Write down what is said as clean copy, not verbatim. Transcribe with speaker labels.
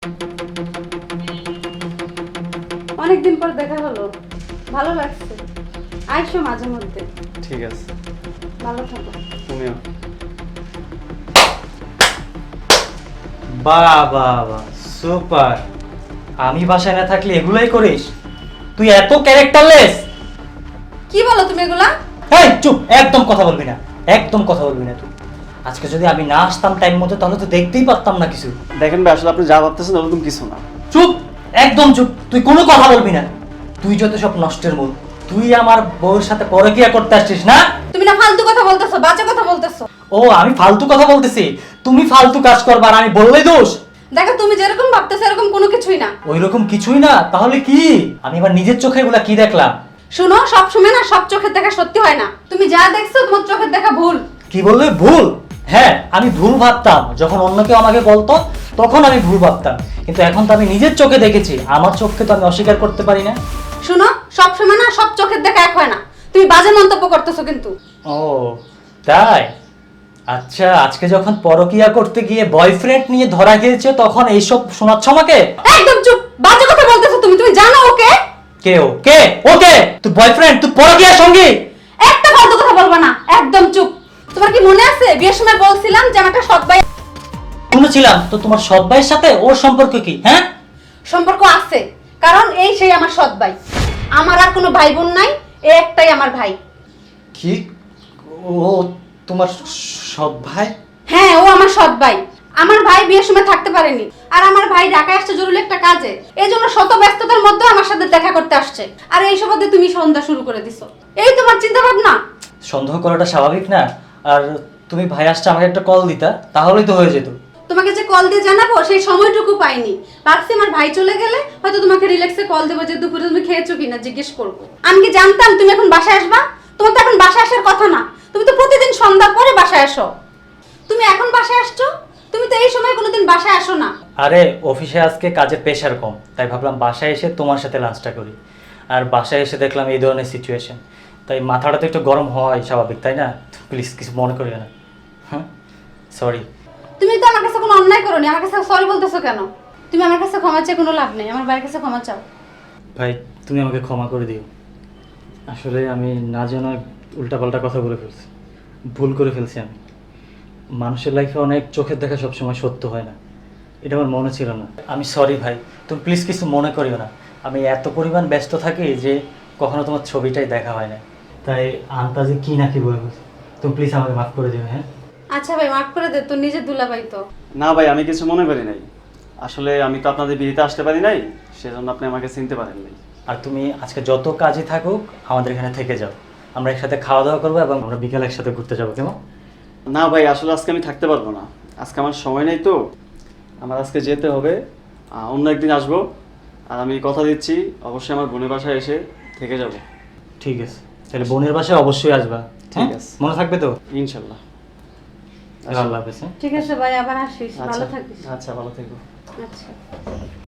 Speaker 1: অনেকদিন পর দেখা হলো, ভালো লাগছে। আইসো মাঝে মধ্যে।
Speaker 2: ঠিক আছে,
Speaker 1: ভালো থাকো।
Speaker 2: তুমিও।
Speaker 3: বাহ বাহ বাহ, সুপার। আমি বাসায় না থাকলে এগুলাই করিস? তুই এত ক্যারেক্টারলেস!
Speaker 1: কি বলো তুমি এগুলা?
Speaker 3: এই চুপ, একদম কথা বলবি না, একদম কথা বলবি না তুই। আজকে যদি আমি না আসতাম টাইম মতো তাহলে তো দেখতেই পারতাম না কিছু।
Speaker 2: দেখেন ভাই, আসলে আপনি যা ভাবতেছেন ওরকম কিছু না।
Speaker 3: চুপ, একদম চুপ, তুই কোনো কথা বলবি না। তুই যত সব নষ্টের মূল। তুই আমার বউয়ের সাথে পরকীয়া করতে আসছিস না?
Speaker 1: তুমি না ফালতু কথা বলতেছো, বাজে কথা বলতেছো।
Speaker 3: ও, আমি ফালতু কথা বলতেছি? তুমি ফালতু কাজ করবা আর আমি বললেই দোষ?
Speaker 1: দেখো তুমি যেরকম ভাবতেছো এরকম কোনো কিছুই না।
Speaker 3: ওইরকম কিছুই না? তাহলে কি? আমি এবার নিজের চোখে এগুলা কি দেখলাম?
Speaker 1: শুনো, সব সময় না সব চোখের দেখা সত্যি হয় না। তুমি যা দেখছো তোমার চোখের দেখা ভুল।
Speaker 3: কি বললে? ভুল? হ্যাঁ, আমি ভুল ভাবতাম। যখন অন্য কেউ আমাকে বলতো তখন আমি ভুল ভাবতাম, কিন্তু এখন তো আমি নিজের চোখে দেখেছি। আমার চোখকে তো আমি অস্বীকার করতে পারি না।
Speaker 1: শুনো, সব সময় না সব চোখের দেখা এক হয় না। তুমি বাজে মন্তব্য করতেছো কিন্তু।
Speaker 3: ও তাই? আচ্ছা, আজকে যখন পরকিয়া করতে গিয়ে বয়ফ্রেন্ড নিয়ে ধরা খেয়েছে তখন এইসব শোনাচ্ছ আমাকে?
Speaker 1: একদম চুপ, বাজে কথা বলতেছো তুমি। তুমি জানো ওকে?
Speaker 3: কে ও? কে ওকে? তুই বয়ফ্রেন্ড? তুই পরকিয়ার সঙ্গী?
Speaker 1: একটা ফালতু কথা বলবা না, একদম চুপ। তোমার কি মনে আছে বিয়ের সময় বলছিলাম যে আমার একটা সৎ ভাই
Speaker 3: শুনেছিলাম তো। তোমার সৎ ভাইয়ের সাথে ওর সম্পর্ক কি? হ্যাঁ,
Speaker 1: সম্পর্ক আছে, কারণ এই সেই আমার সৎ ভাই। আমার আর কোনো ভাই বোন নাই, এই একটাই আমার ভাই।
Speaker 3: কি? ও তোমার সৎ ভাই?
Speaker 1: হ্যাঁ, ও আমার সৎ ভাই। আমার ভাই বিয়ের সময় থাকতে পারেনি, আর আমার ভাই ঢাকায় আসছে জরুরি একটা কাজে। এই জন্য শত ব্যস্ততার মধ্যে আমার সাথে দেখা করতে আসছে। আর এই সুবাদে তুমি সন্ধ্যা শুরু করে দিছো। এই তোমার চিন্তা ভাবনা?
Speaker 3: সন্দেহ করাটা স্বাভাবিক না? আর তুমি ভাই আসছে আমাকে একটা কল দিতা, তাহলেই তো হয়ে যেত।
Speaker 1: তোমাকে যে কল দিয়ে জানাবো সেই সময়টুকু পাইনি। ভাবছি আমার ভাই চলে গেলে হয়তো তোমাকে রিল্যাক্সে কল দেবো যে দুপুরে তুমি খেয়েছো কিনা জিজ্ঞেস করবো। আমি কি জানতাম তুমি এখন বাসায় আসবা? তোমার তো এখন বাসায় আসার কথা না। তুমি তো প্রতিদিন সন্ধ্যা পরে বাসায় আসো। তুমি এখন বাসায় আসছো? তুমি তো এই সময় কোনোদিন বাসায় আসো না।
Speaker 3: আরে অফিসে আজকে কাজের প্রেশার কম, তাই ভাবলাম বাসায় এসে তোমার সাথে লাঞ্চটা করি। আর বাসায় এসে দেখলাম এই ধরনের সিচুয়েশন, তাই মাথাটা তো একটু গরম হয় স্বাভাবিক, তাই না? প্লিজ কিছু মনে করিও না। হ্যাঁ, সরি।
Speaker 1: তুমি তো আমার কাছে কোনো অন্যায় করোনি, আমার কাছে সরি বলতেছো কেন? তুমি আমার কাছে ক্ষমা চেয়ে কোনো লাভ নেই, আমার ভাইয়ের কাছে ক্ষমা চাও।
Speaker 3: ভাই, তুমি আমাকে ক্ষমা করে দিও। আসলে আমি না জানা উল্টাপাল্টা কথা বলে ফেলছি, ভুল করে ফেলছি আমি। মানুষের লাইফে অনেক চোখের দেখা সবসময় সত্য হয় না, এটা আমার মনে ছিল না। আমি সরি ভাই, তুমি প্লিজ কিছু মনে করিও না। আমি এত পরিমাণ ব্যস্ত থাকি যে কখনো তোমার ছবিটাই দেখা হয় না, তাই আন্তাজে কি না কি বলে ফেলছি। তুমি প্লিজ আমাকে মাফ করে দিও। হ্যাঁ,
Speaker 1: আচ্ছা ভাই, মাফ করে দে, তোর নিজের দুলাভাই তো।
Speaker 2: না ভাই, আমি কিছু মনে করি নাই। আসলে আমি তো আপনাদের বিয়েতে আসতে পারি নাই, সেজন্য আপনি আমাকে চিনতে পারেন নাই।
Speaker 3: আর তুমি আজকে যত কাজে থাকুক আমাদের এখানে থেকে যাও। আমরা একসাথে খাওয়া দাওয়া করবো এবং আমরা বিকেলে একসাথে ঘুরতে যাবো, কেমন?
Speaker 2: না ভাই, আসলে আজকে আমি থাকতে পারবো না। আজকে আমার সময় নেই তো, আমার আজকে যেতে হবে। অন্য একদিন আসবো। আর আমি কথা দিচ্ছি অবশ্যই আমার বোনের বাসায় এসে থেকে যাব।
Speaker 3: ঠিক আছে, তাহলে বোনের বাসায় অবশ্যই আসবা।
Speaker 2: ঠিক
Speaker 3: হ্যাঁ?
Speaker 2: আছে।
Speaker 3: মনে থাকবে তো?
Speaker 2: ইনশাল্লাহ।
Speaker 3: আল্লাহ হাফেজ। হ্যাঁ?
Speaker 1: ঠিক আছে ভাই, আবার আসিস,
Speaker 2: আচ্ছা
Speaker 1: ভালো থাকিস।
Speaker 2: আচ্ছা, ভালো থেকো।
Speaker 1: আচ্ছা।